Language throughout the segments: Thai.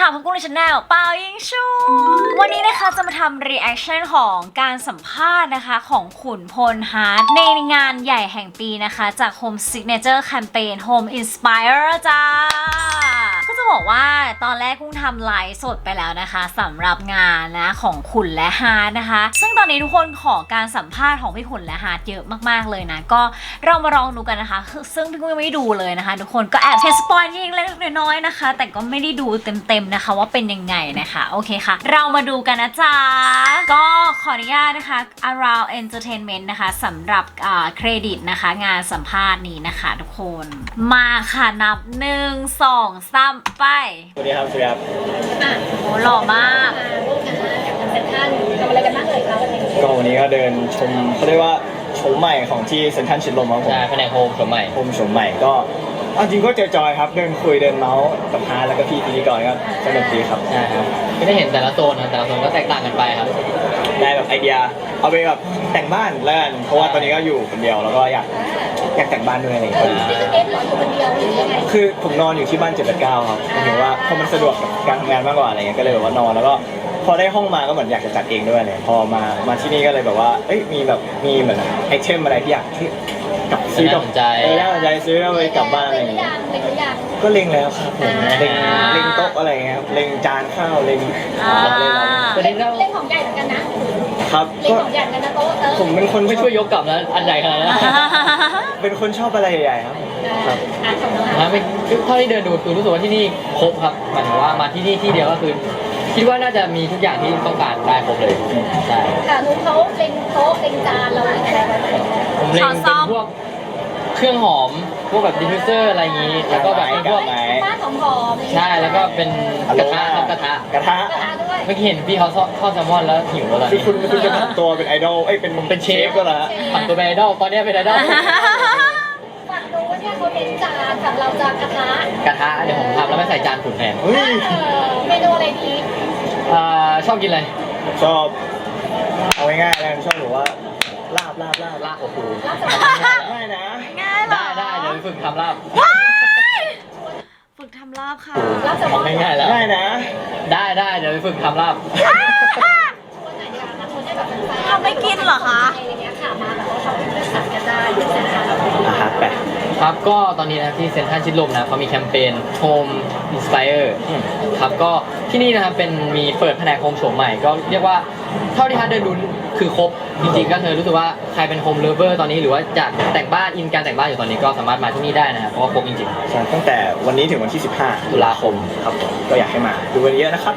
ค่ะพบกันในช anel เปายิงชูวันนี้นะคะจะมาทำ reaction ของการสัมภาษณ์นะคะของขุนพลฮาร์ทในงานใหญ่แห่งปีนะคะจาก Home Signature Campaign Home Inspire จ้าก็จะบอกว่าตอนแรกกุ้งทำไลฟ์สดไปแล้วนะคะสำหรับงานนะของขุนและฮาร์ทนะคะซึ่งตอนนี้ทุกคนขอการสัมภาษณ์ของพี่ขุนและฮาร์ทเยอะมากๆเลยนะก็เรามาลองดูกันนะคะซึ่งพี่กุ้งยังไม่ได้ดูเลยนะคะทุกคนก็แอบเทสปอยนิดเล็กน้อยนะคะแต่ก็ไม่ได้ดูเต็มๆนะคะว่าเป็นยังไงนะคะโอเคค่ะเรามาดูกันนะจ๊ะก็ขออนุญาตนะคะ Around Entertainment นะคะสำหรับเครดิตนะคะงานสัมภาษณ์นี้นะคะทุกคนมาค่ะนับ1 2 3ไปสวัสดีครับสวัสดีครับโอ้หล่อมากร่วมงานกับเซ็นทรัลทำอะไรกันบ้างเลยคะวันนี้ก็วันนี้ก็เดินชมเขาเรียกว่าโฉมใหม่ของที่เซ็นทรัลชิดลมครับผมใช่แผนกโฮมโฉมใหม่โฮมโฉมใหม่ก็จริงก็จอยๆครับเดินคุยเดินเมาส์กับฮาร์ทแล้วก็พี่พิธีกรก็สนุกดีครับใช่ครับก็ได้เห็นแต่ละโซนนะแต่ละโซนก็แตกต่างกันไปครับได้แบบไอเดียเอาไปแบบแต่งบ้านแล้วกันเพราะว่าตอนนี้ก็อยู่คนเดียวแล้วก็อยากแต่งบ้านด้วยอะไรอย่างเงี้ยนี่คือเอฟเหรออยู่คนเดียวหรือยังไงคือผมนอนอยู่ที่บ้าน789ครับหมายถึงว่าพอมันสะดวกกับการทำงานมากกว่าอะไรเงี้ยก็เลยแบบว่านอนแล้วก็พอได้ห้องมาก็เหมือนอยากจะจัดเองด้วยเลยพอมาที่นี่ก็เลยแบบว่าเอ้ยมีเหมือนไอเทมอะไรที่อยากกับซื้อกับน่าสนใจซื้อเอาไปกลับบ้านอะไรอย่างเงี้ยก็เล็งแล้วครับผมเล็งโต๊ะอะไรเงี้ยครับเล็งจานข้าวเล็งเล่นของใหญ่เหมือนกันนะครับเล่นของใหญ่กันนะโต๊ะผมเป็นคนไม่ช่วยยกกลับนะอันใหญ่ขนาดนั้นเป็นคนชอบอะไรใหญ่ๆครับครับไม่เท่าที่เดินดูคือรู้สึกว่าที่นี่ครบครับหมายถึงว่ามาที่นี่ที่เดียวก็คือคิดว่าน่าจะมีทุกอย่างที่ต้องการได้ครบเลยใช่ค่ะนุ๊กเขาเล็งโต๊ะเล็งจานเราเล็งอะไรไว้ผมเล็งเป็นพวกเครื่องหอมพวกแบบดิฟฟิวเซอร์อะไรอย่างนี้แล้วก็แบบพวกบ้านหอมใช่แล้วก็เป็นกระทะครับกระทะเมื่อกี้เห็นพี่เขาทอดแซลมอนแล้วหิวแล้วคือคุณจะผันตัวเป็นไอดอลเป็นเชฟก็แล้วผันตัวเป็นไอดอลตอนนี้เป็นไอดอลฝั่งนู้นเนี่ยเขาเล็งจานฝั่งเราจานกระทะเดี๋ยวผมทำแล้วไม่ใส่จานขุ่นแทนเมนูอะไรดีชอบกินอะไรชอบเอาง่ายๆเลยชอบหรือว่าลาบโอ้โหง่ายนะง่ายเหรอได้เดี๋ยวฝึกทำลาบฝึกทำลาบค่ะลาบจะมองง่ายแล้วง่ายนะได้เดี๋ยวฝึกทำลาบคนไหนอยากนะคนได้แบบเป็นแฟนทำไม่กินเหรอคะอะไรอย่างเงี้ยค่ะมาแบบว่าเขาเป็นเพื่อนสัตว์กันได้ที่เซ็นทรัลครับก็ตอนนี้นะที่เซ็นทรัลชิดลมนะเขามีแคมเปญ Home Inspire ครับก็ที่นี่นะครับมีเปิดแผนกโฮมโฉมใหม่ก็เรียกว่าเท่าที่ฮาร์ดเดินดูคือครบจริงๆก็เธอรู้สึกว่าใครเป็นโฮมเลฟเวอร์ตอนนี้หรือว่าจะแต่งบ้านการแต่งบ้านอยู่ตอนนี้ก็สามารถมาที่นี่ได้นะครับเพราะว่าครบจริงๆใช่ตั้งแต่วันนี้ถึงวันที่15ตุลาคมครับผมก็อยากให้มาดูกันเยอะนะครับ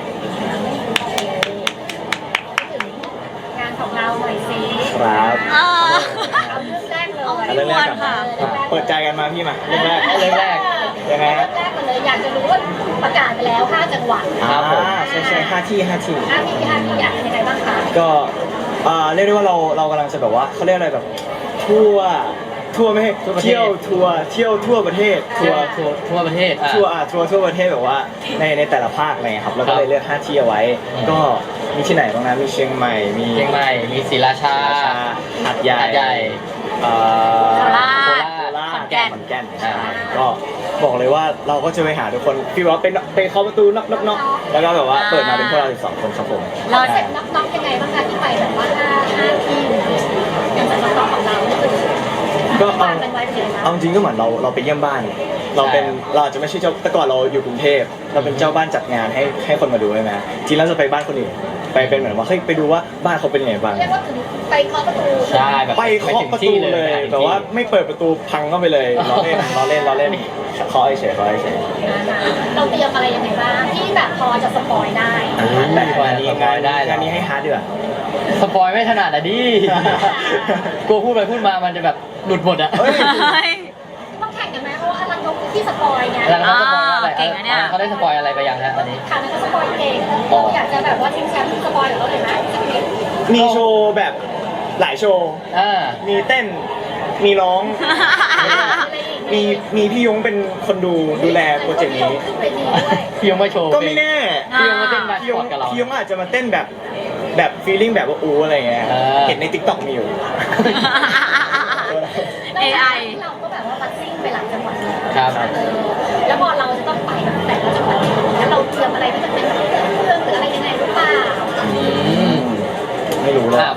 งานของเราหน่อยสิครับเรื่องแรกเลยเรื่องแรกค่ะเปิดใจกันมาพี่มาเรื่องแรกยังไงเรื่องแรกเลยอยากจะรู้ว่าประกาศไปแล้ว5จังหวัดใช่5 ที่อยากยังไงบ้างคะก็เรียกได้ว่าเรากำลังจะแบบว่าเขาเรียกอะไรแบบทั่วไม่ให้เที่ยวทั่วประเทศทั่วประเทศทั่วประเทศแบบว่าในแต่ละภาคอะไรครับแล้วก็เลยเลือก5 ที่เอาไว้ก็มีที่ไหนบ้างนะมีเชียงใหม่มีศรีราชาหาดใหญ่โคราชขอนแก่นก็บอกเลยว่าเราก็จะไปหาทุกคนพี่ว่าเป็นเคาะประตูน็อกแล้วก็แบบว่าเปิดมาเป็นพวกเรา12 คนครับผมเราเสร็จน็อกยังไงบ้างคะที่ไปแบบว่า5 ที่อย่างจากน็อกของเราก็เอาจริงก็เหมือนเราไปเยี่ยมบ้านเราอาจจะไม่ใช่เจ้าแต่ก่อนเราอยู่กรุงเทพเราเป็นเจ้าบ้านจัดงานให้คนมาดูใช่ไหมจริงแล้วจะไปบ้านคนอื่นไปเป็นเหมือนว่าเฮ้ยไปดูว่าบ้านเขาเป็นยังไงบ้างไปเคาะประตูใช่ไปเคาะประตูเลยแต่ว่าไม่เปิดประตูพังเข้าไปเลยล้อเล่นเคาะเฉยเราเตรียมอะไรยังไงบ้างที่แบบพอจะสปอยได้แบบนี้งานนี้ให้ฮาร์ดดีกว่าสปอยไม่ถนัดอ่ะดิกลัวพูดไปพูดมามันจะแบบหลุดหมดอ่ะต้องแข่งกันไหมเพราะว่าอลังนกที่สปอยไงแล้วเขาสปอยอะไรเขาได้สปอยอะไรไปยังฮะอันนี้ค่ะนั่นก็สปอยเก่งอยากจะแบบว่าทีมแชมป์สปอยหรือเราเลยไหมมีโชว์แบบหลายโชว์มีเต้นมีร้องมีพี่ยงเป็นคนดูแลโปรเจกต์นี้พี่ยงมาโชว์ก็ไม่แน่พี่ยงมาเต้นมาพี่ยงอาจจะมาเต้นแบบฟีลลิ่งแบบว่าอะไรเงี้ยเห็นใน TikTok มีอยู่ AI เราก็แบบว่าบัสซิ่งไปหลังจังหวัดครับแล้วพอเราจะต้องไปแต่ละจังหวัดแล้วเราเตรียมอะไรที่จะเป็น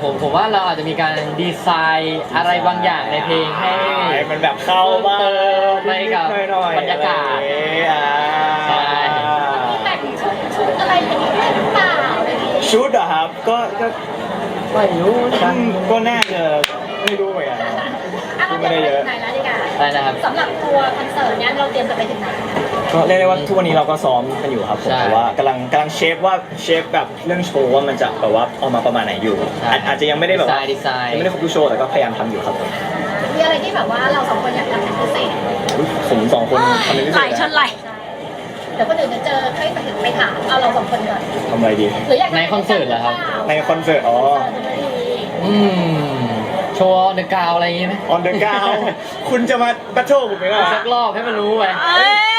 ผมว่าเราอาจจะมีการดีไซน์อะไรบางอย่างในเพลงให้มันแบบเข้าบ้างเติมไปกับบหน่อยๆบรรยากาศอะไรอย่างเงี้ยใช่มีแต่งชุดอะไรอย่างนี้ด้วยหรือเปล่าอะไรอย่างนี้ชุดเหรอครับก็ไม่รู้ก็น่าจะไม่รู้เหมือนกันอ่ะเราเตรียมไปถึงไหนแล้วดีกว่าอะไรนะครับสำหรับทัวร์คอนเสิร์ตเนี้ยเราเตรียมจะไปถึงไหนก็เรียกได้ว่าทุกวันนี้เราก็ซ้อมกันอยู่ครับผมใช่แต่ว่ากำลังเชฟแบบเรื่องโชว์ว่ามันจะแบบว่าออกมาประมาณไหนอยู่ใช่อาจจะยังไม่ได้แบบว่าดีไซน์ยังไม่ได้ครบทุกโชว์แต่ก็พยายามทำอยู่ครับผมมีอะไรที่แบบว่าเราสองคนอยากทำเป็นพิเศษอุ๊ยผมสองคนทำเป็นพิไหเศลษชนไหลใช่เดี๋ยวคนอื่นจะเจอให้ไปถึงไปถามเอาเราสองคนก่อนทำอะไรดีหรืออยากในคอนเสิร์ตเหรอครับในคอนเสิร์ตอืมโชว์เดอะกาวอะไรอย่างงี้ไหมออนเดอะกาวคุณจะมาบัตเทิลผมไหมล่ะสักรอบให้มันรู้ไปเอ้ย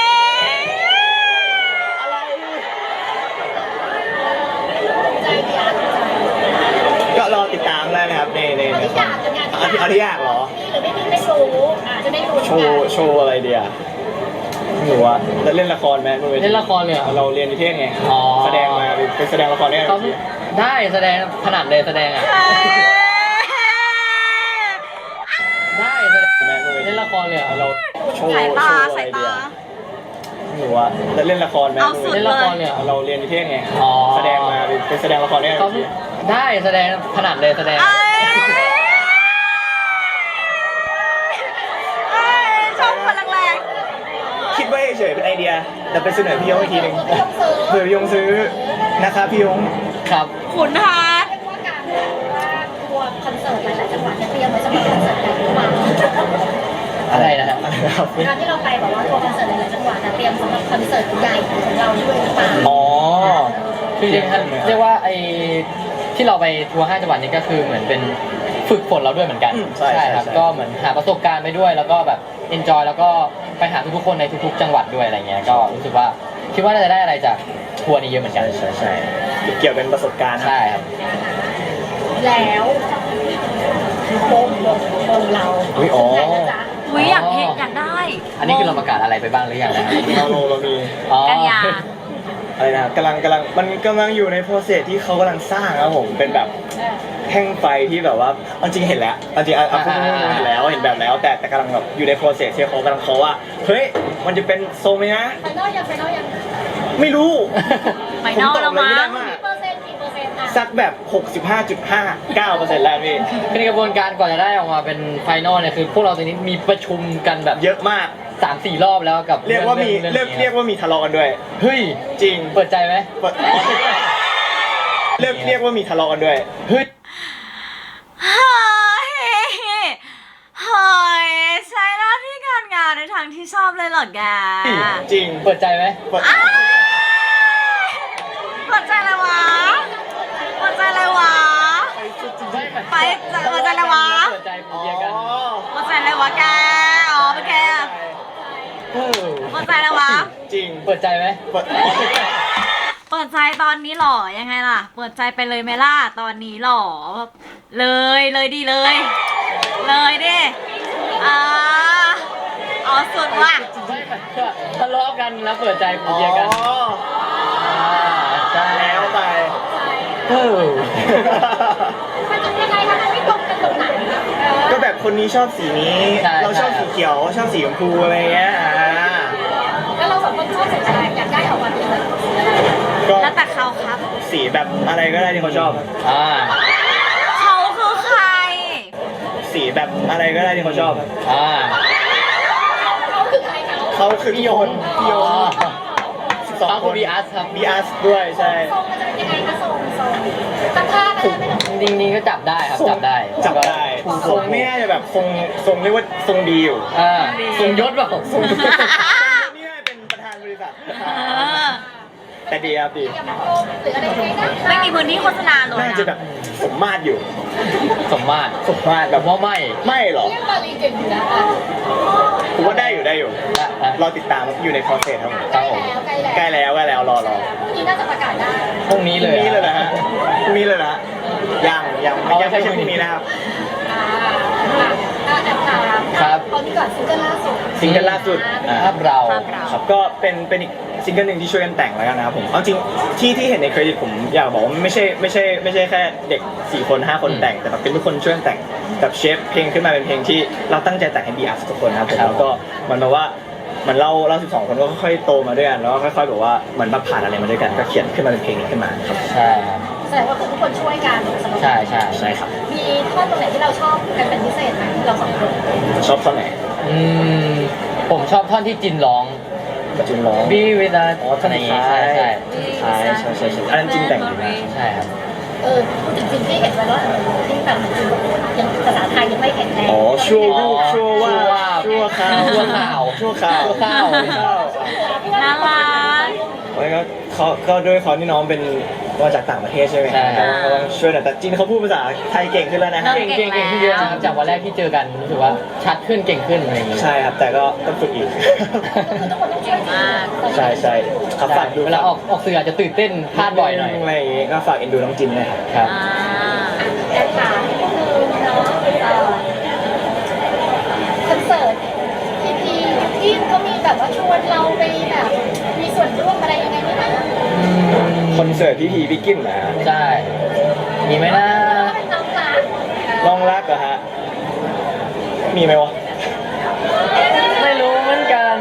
ใจดีอ่ะใจก็รอติดตามได้นะครับในเอาที่อยากจะงานที่เอาที่อยากเหรอหรือไม่มีไม่รู้จะได้รู้โชว์อะไรเดียไม่รู้ว่าแล้วเล่นละครไหมบวทีเล่นละครเลยเหรอเราเรียนนิเทศไงอ๋อแสดงมาไปแสดงละครได้เขาไหมได้แสดงขนาดเลยแสดงอ่ะ ได้แสดงแม่บนวทีเล่นละครเลยเหรอเราโชว์สายตาโชว์อะไรสายเดีตายไม่รู้ว่าแล้วเล่นละครไหมเอาสุดเล่นละครเลยเหรอเราเรียนนิเทศไงอ๋อแสดงมาไปแสดงละครได้ไหมเขาได้แสดงขนาดเลยแสดงเอ้ยเอ้ยชอบคนแรงคิดไว้เฉยๆเป็นไอเดียแต่ไปเสนอพี่ยงอีกทีหนึ่งเผื่อพี่ยงซื้อนะครับพี่ยงครับๆขุนฮาร์ดเรียกว่าการทัวร์คอนเสิร์ตหลายๆจังหวัดเนี่ยเตรียมไว้สำหรับคอนเสิร์ตใหญ่หรือเปล่าอะไรนะฮะอะไรนะครับการที่เราไปแบบว่าทัวร์คอนเสิร์ตหลายๆจังหวัดนะเตรียมสำหรับคอนเสิร์ตใหญ่ของเราด้วยหรือเปล่าอ๋อคือจริงๆเรียกว่าไอ้ที่เราไปทัวร์5จังหวัดนี้ก็คือเหมือนเป็นฝึกฝนเราด้วยเหมือนกันใช่ครับก็เหมือนหาประสบการณ์ไปด้วยแล้วก็แบบเอนจอยแล้วก็ไปหาทุกๆคนในทุกๆจังหวัดด้วยอะไรเงี้ยก็รู้สึกว่าคิดว่าน่าจะได้อะไรจากทัวร์นี้เยอะเหมือนกันใช่เกี่ยวเป็นประสบการณ์ใช่ครับแล้ววงเราอุ๊ยอ๋อถึงไหนแล้วจ๊ะอุ้ยอยากเห็นอยากได้อันนี้คือเราประกาศอะไรไปบ้างหรือยังนะครับเรามีอ๋อกันยาอะไรนะกำลังมันกำลังอยู่ในโปรเซสที่เขากำลังสร้างครับผมเป็นแบบแท่งไฟที่แบบว่าเอาจริงเห็นแล้วเอาจริงเอาพูดตรงๆเห็นแล้วเห็นแบบแล้วแต่กำลังแบบอยู่ในโปรเซสที่เขากำลังเขาว่าเฮ้ยมันจะเป็นทรงนี้นะไฟนอลยังไม่รู้ไฟนอลแล้วมั้งผตอบอะไรไม่ได้มากกี่เปอร์เซ็นต์อ่ะสักแบบ 65.59% แล้วพี่คือในกระบวนการก่อนจะได้ออกมาเป็นไฟนอลเนี่ยคือพวกเราตอนนี้มีประชุมกันแบบเยอะมาก 3-4 รอบแล้วกับเรียกว่ามีรื่องเรียกว่ามีทะเลาะกันด้วยเฮ้ยจริงเปิดใจไหมเรียกว่ามีทะเลาะกันด้วยเฮ้ยเฮ้ยเฮ้ยใช้หน้าที่การงานในทางที่ชอบเลยเหรอแกจริงเปิดใจไหมเปิดเปิดใจเลยวะเปิดใจเลยวะ ไปเปิดใจเลยวะเปิดใจคุยกันเปิดใจเลยวะแก อ๋อเป็นแกเออเปิดใจเลยวะจริงเปิดใจไหมเปิดเปิดใจตอนนี้หรอ ยังไงล่ะ เปิดใจไปเลยไหมล่ะ ตอนนี้หรอ เลยดีเลย เลยดิอ่าเอาสุดว่ะใช่ไหมทะเลาะกันแล้วเปิดใจคุยกันใช่แล้วไปเออมันจะยังไงคะมันไม่ตรงกันตรงไหนก็แบบคนนี้ชอบสีนี้ เราชอบสีเขียว ชอบสีชมพูอะไรเงี้ยแล้วเราสองคนชอบสีอะไรอยากได้ออกมาเป็นอะไรก็แล้วแต่เขาครับสีแบบอะไรก็ได้ที่เขาชอบอ่าเขาคือใครสีแบบอะไรก็ได้ที่เขาชอบอ่าเขาคือใครเขาเขาคือพี่โยนพี่โยนเขาคือ BRS ครับ BRS ด้วยใช่ทรงมันจะเป็นยังไงคะทรงตั้งท่าก็ได้ไม่ต้องจริงๆก็จับได้ครับจับได้จับได้ทรงไม่น่าจะแบบทรงเรียกว่าทรงดีอยู่อ่าทรงยศเปล่าทรงนี่น่าจะเป็นประธานบริษัท แต่ดีครับดีอย่างโกงหรืออะไรยังไงนะไม่มีพื้นที่โฆษณาเลยน่านะจะแบบสมมาตรอยู่สมมาตรสมมาตรแบแบบ บว่าไม่ไม่หรอเรียกบาลีเก่งอยู่นะผมว่าได้อยู่ รอติดตามอยู่ในโปรเซสครับผมใกล้แล้วรอพรุ่งนี้น่าจะประกาศได้พรุ่งนี้พเลรุ่งยนี้เลยนะฮะพรุ่งนี้เลยนะยังไม่ใช่พรุ่งนี้นะครับแอบถามเอานี่ก่อนซิงเกิลล่าสุดซิงเกิลล่าสุดภาพเราครับก็เป็นอีกซิงเกิลหนึ่งที่ช่วยกันแต่งแล้วกันนะครับผมเอาจริงที่เห็นในเครดิตผมอยากบอกว่าไม่ใช่แค่เด็ก4 คน 5 คนแต่งแต่แบบเป็นทุกคนช่วยกันแต่งแบบเชฟเพลงขึ้นมาเป็นเพลงที่เราตั้งใจแต่งให้ BTS ทุกคนนะครับผมแล้วก็มันแบบว่าเหมือนเรา12 คนก็ค่อยๆโตมาด้วยกันแล้วก็ค่อยๆแบบว่าเหมือนแบบผ่านอะไรมาด้วยกันก็เขียนขึ้นมาเป็นเพลงนี้ขึ้นมาครับใช่ครับแสดงว่าคือทุกคนช่วยกันสำหรับใช่ใช่ใช่ครับมีท่อนตรงไหนที่เราชอบกันเป็นพิเศษไหมเราสองคนชอบท่อนไหนอืมผมชอบท่อนที่จินร้องปัจจุบันร้อง Be with us อ๋อท่อนสุดท้ายใช่ใช่อันนั้นจริงแต่งอยู่นะใช่ครับพูดถึงสิ่งที่เห็นไว้แล้วที่แบบจริงๆยังภาษาไทยยังไม่แข็งแรงอ๋อชั่วรูปชั่วว่าชั่ชั่ววข้าข้าว วชั่วข้าวชั่วข้าวน่ารักแล้วก็เขาด้วยเขานี่น้องเป็นมาจากต่างประเทศใช่ไหมใช่ครับก็ต้องช่วยหน่อยแต่จีนเขาพูดภาษาไทยเก่งขึ้นแล้วนะฮะเก่เก่งขึ้นเยอะนะครับจากวันแรกที่เจอกันรู้สึกว่าชัดขึ้นเก่งขึ้นอะไรอย่างงี้ใช่ครับแต่ก็ต้องฝึกอีกคือทุกคนต้องช่วยกันใช่ครับฝากดูเวลาออกสื่ออาจจะตื่นเต้นพลาดบ่อยหน่อยอะไรอย่างงี้ก็ฝากเอ็นดูน้องจินนะครับครับอ่าแต่ถามก็คือเนาะคอนเสิร์ตทีที่เขามีแบบว่าชวนเราไปแบบมีส่วนร่วมอะไรยังไงไหมคะคอนเสิร์ตพี่พีพี่กินนะฮะใช่ มีไหมนะเป็นน้องรักลองรักเหรอฮะมีไหมวะไม่รู้เหมือนกัน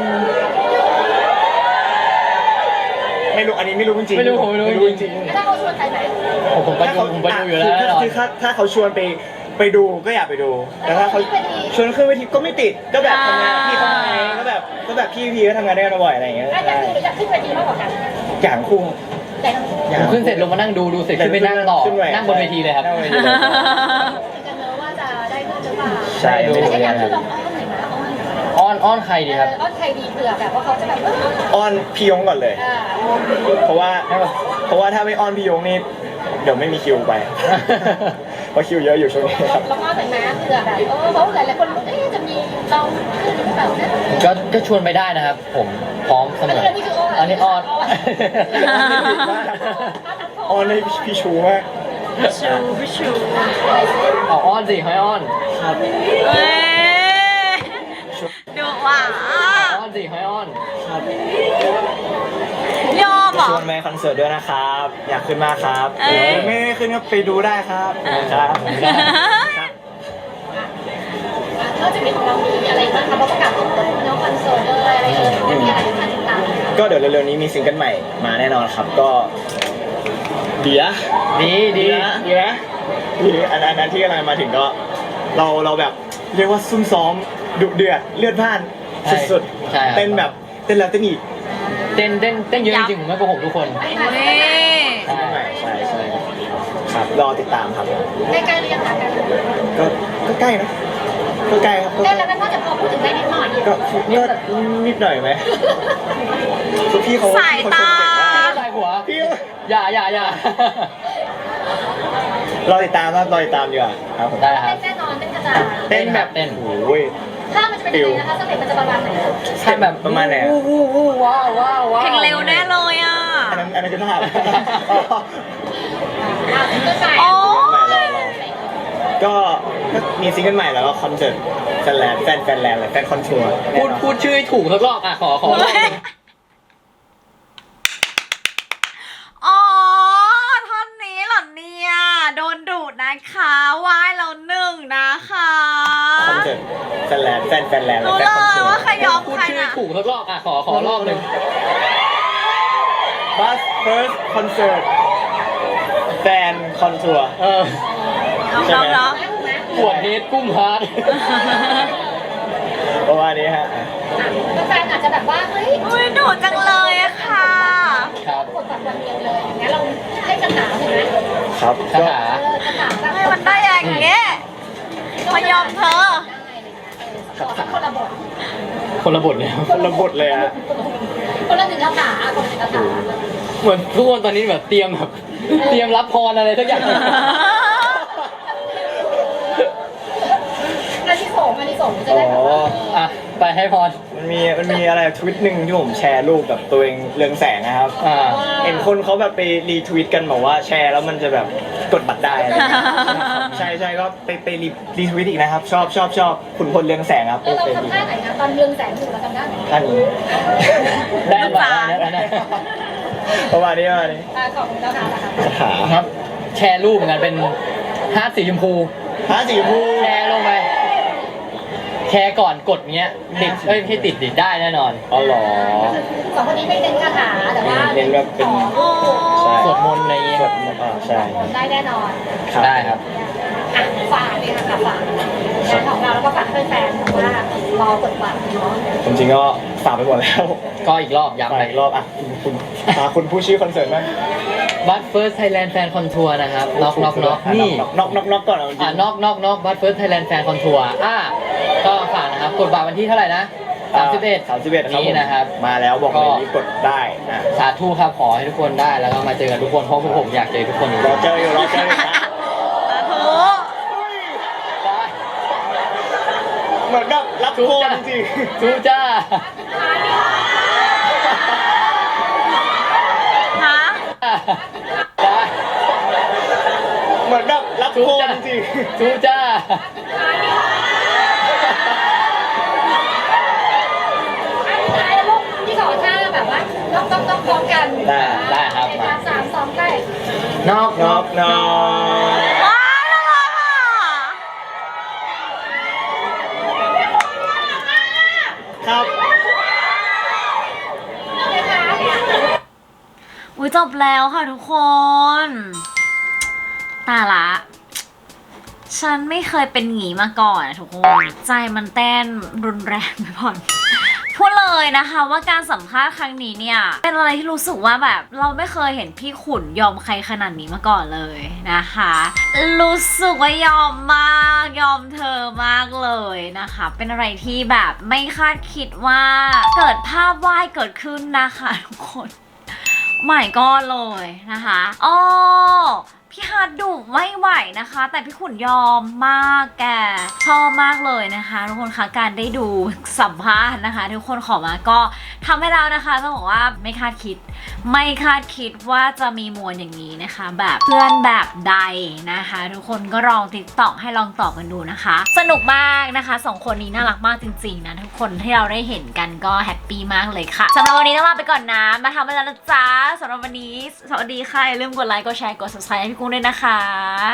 ไม่รู้อันนี้ไม่รู้จริงๆไม่รู้ผมไม่รู้จริงถ้าเขาชวนไปไหนผมไปดูอยู่แล้วแน่นอนคือถ้าเขาชวนไปดูก็อยากไปดูแต่ถ้าเขาชวนขึ้นเวทีก็ไม่ติดก็แบบทำงานพี่เขาไงก็แบบพี่พีก็ทำงานด้วยกันบ่อยอะไรอย่างเงี้ยอยากขึ้นเวทีมากกว่ากันอย่างคู่แต่ทั้งคู่ผมขึ้นเสร็จลงมานั่งดูเสร็จขึ้นไปนั่งต่อขึ้ไปนั่งบนเวทีเลยครับนั่งบนเวทีเลยกันเนอะว่าจะได้ขึ้นหรือเปล่าใช่ดูแต่ก็อยากขึ้นลองอ้อนหน่อยนะอ้อนใครดีครับอ้อนใครดีเผื่อแบบว่าเขาจะแบบอ้อนพี่ยงก่อนเลย เพราะว่าถ้าไม่อ้อนพี่ยงนี่เดี๋ยวไม่มีคิวไป เพราะคิวเยอะอยู่ช่วงนี้ครับแล้วก็เหมือนนะเผื่อแบบเขาหลายๆคนจะมีเราขึ้นหรือเปล่านะก็ชวนไปได้นะครับ ผมพร้อมเสมออันนี้คืออ้อนอันนี้อ้อนอ้อนให้พี่ชูมากชูพี่ชูเอาอ้อนสิให้อ้อนครับเอ้ยดูว่ะอ้อนสิให้อ้อนครับยอมเหรอชวนไปคอนเสิร์ตด้วยนะครับ อยากขึ้นมากครับเอ้ยไม่ได้ขึ้นก็ไปดูได้ครับครับครับนอกจากนี้ของเรามีอะไรบ้างคะประกาศตัวน้องคอนเสิร์ตอะไรมีอะไรที่น่าติดตามก็เดี๋ยวเร็วๆนี้มีซิงเกิลใหม่มาแน่นอนครับก็เดียดีดีนะอันนั้นที่กำลังมาถึงก็เราแบบเรียกว่าซุ่มซ้อมดุเดือดเลือดพล่านสุดใช่ครับๆเต้นแบบเต้นแล้วเต้นอีกเต้นเยอะจริงๆผมไม่โกหกทุกคนเฮ้ยซิงเกิลใหม่ใช่ครับรอติดตามครับใกล้ๆเรียนหากันก็ใกล้นะก็ใกล้ครับได้แล้วก็จะพอพูดถึงได้นิดหน่อยก็นิดหน่อยไหมคือพี่เขาสายตาชมเก่งมากใส่หัวพี่อย่ารอติดตามครับรอติดตามดีกว่าครับผมได้ครับแน่นอนเป็นกระจายเต้นแบบเต้นโอ้ยถ้ามันจะเป็นยังไงนะคะสเต็ปมันจะประมาณไหนใช่แบบประมาณไหนอะวู้ว้าวเพลงเร็วแน่เลยอ่ะอันนั้นคือภาพซิงเกิลใหม่โอ้ก็มีซิงเกิลใหม่แล้วก็คอนเสิร์ตแฟนแลนด์เลยแฟนคอนทัวร์พูดชื่อให้ถูกสักรอบอ่ะขอรอบหนึ่งอ๋อท่อนนี้เหรอเนี่ยโดนดุนะคะว่ายแล้วหนึ่งนะคะคอนเสิร์ตแฟนแลนด์แฟนแลนด์รู้แฟเลนคอนยทัวว่าร์ใครยอมพูดใครชื่อให้นะถูกสักรอบอ่ะขอรอบหนึ่งบัสเฟิร์สคอนเสิร์ตแฟนคอนทัวร์ ใช่ไหมน้องปวดเฮดกุ้มฮาร์ดประมาณนี้ฮะแฟนอาจจะแบบว่าเฮ้ยๆอุ้ยดุจังเลยอะค่ะครับกดบัตรวันเดียวเลยอย่างเงี้ยเราให้คาถาเห็นไหมครับคาก็ถาคาถาแบบให้มันได้อย่างเงี้ยมายอมเธอขอสักคนละบทคนละบทเลยครับคนละบทเลยฮะคนละหนึ่งคาถาคนละหนึ่งคาถาเหมือนทุกคนตอนนี้แบบเตรียมรับพรอะไรสักอย่างอันที่สองจะอ๋ได้แบบว่าออ่ะไปให้พรมันมีอะไรทวิตหนึ่งที่ผมแชร์รูปแบบตัวเองเรืองแสงนะครับอ่าเห็นคนเขาแบบไปรีทวิตกันบอกว่าแชร์แล้วมันจะแบบกดบัตรได้อะไรอย่างเงี้ยใช่ใช่ก็ไปรีทวิตอีกนะครับ ชอบขุนพลเรืองแสงครับเราทำท่าไหนนะตอนเรืองแสงอยู่เราทำท่าไหนท่านนี้ได้มาแล้วนะประมาณนี้ประมาณนี้ของเราค่ะคาถาครับ แชร์รูปเหมือนกันเป็นฮาร์ดสีชมพูพระสีชมพูแชร์ลงไปแชร์ก่อนกดเงี้ยติดไม่ให้ติดได้แน่นอนอ๋อเหรอสองคนนี้ไม่เน้นคาถาแต่ว่าเน้นแบบเป็น ใช่สวดมนต์อะไรเงี้ยสวดมนต์ใช่ได้แน่นอนได้ครับอ่ะฝากเลยค่ะฝากงานของเราแล้วก็ฝากให้แฟนๆว่ารอกดบัตรเนาะจริงๆก็ฝากไปหมดแล้วก็อีกรอบย้ำไปไปอีกรอบอ่ะคุณผู้ชื่อคอนเสิร์ตบ้างบัตเฟิร์สไทยแลนด์แฟนคอนทัวร์นะครับน็อกนี่น็อกก่อนเอาจริงน็อกบัตเฟิร์สไทยแลนด์แฟนคอนทัวร์ก็ฝากนะครับกดบัตรวันที่เท่าไหร่นะ31 ครับนี้นะครับมาแล้วบอกเลยรีบกดได้นะสาธุครับขอให้ทุกคนได้แล้วก็มาเจอกันทุกคนเพราะพวกผมอยากเจอทุกคนอยู่รอเจออยู่นะสาธุได้เหมือนแบบรับโคนจริงทูจ้าฮะได้ๆเหมือนแบบรับโคนจริงทูจ้าท้ายแล้วลูกที่ขอท่าแบบว่าต้องพร้อมกันได้ครับในการ3 2ใกล้น็อกน็อกว้าวน่ารักอ่ะครับอุ้ยจบแล้วค่ะทุกคน ตายละ ฉันไม่เคยเป็นหงีมาก่อนอะทุกคน ใจมันเต้นรุนแรงไปผ่อนพูดเลยนะคะว่าการสัมภาษณ์ครั้งนี้เนี่ย เป็นอะไรที่รู้สึกว่าแบบเราไม่เคยเห็นพี่ขุนยอมใครขนาดนี้มาก่อนเลยนะคะ รู้สึกว่ายอมมากยอมเธอมากเลยนะคะ เป็นอะไรที่แบบไม่คาดคิดว่าเกิดภาพวาดเกิดขึ้นนะคะทุกคนใหม่ก็เลยนะคะอ๋อพี่ฮาร์ดดุไม่ไหวนะคะ แต่พี่ขุนยอมมากแกชอบมากเลยนะคะทุกคนคะการได้ดูสัมภาษณ์นะคะทุกคนขอมาก็ทำให้เรานะคะต้องบอกว่าไม่คาดคิดว่าจะมีมวลอย่างนี้นะคะ แบบเพื่อนแบบใดนะคะ ทุกคนก็ลองติ๊กต็อกให้ลองตอบกันดูนะคะ สนุกมากนะคะสองคนนี้น่ารักมากจริงๆนะทุกคนที่เราได้เห็นกันก็แฮปปี้มากเลยค่ะสำหรับวันนี้ต้องลาไปก่อนนะมาทำไปแล้วนะจ๊ะสำหรับวันนี้สวัสดีค่ะอย่าลืมกดไลค์กดแชร์กด subscribe ให้พี่กุ้งด้วยนะคะ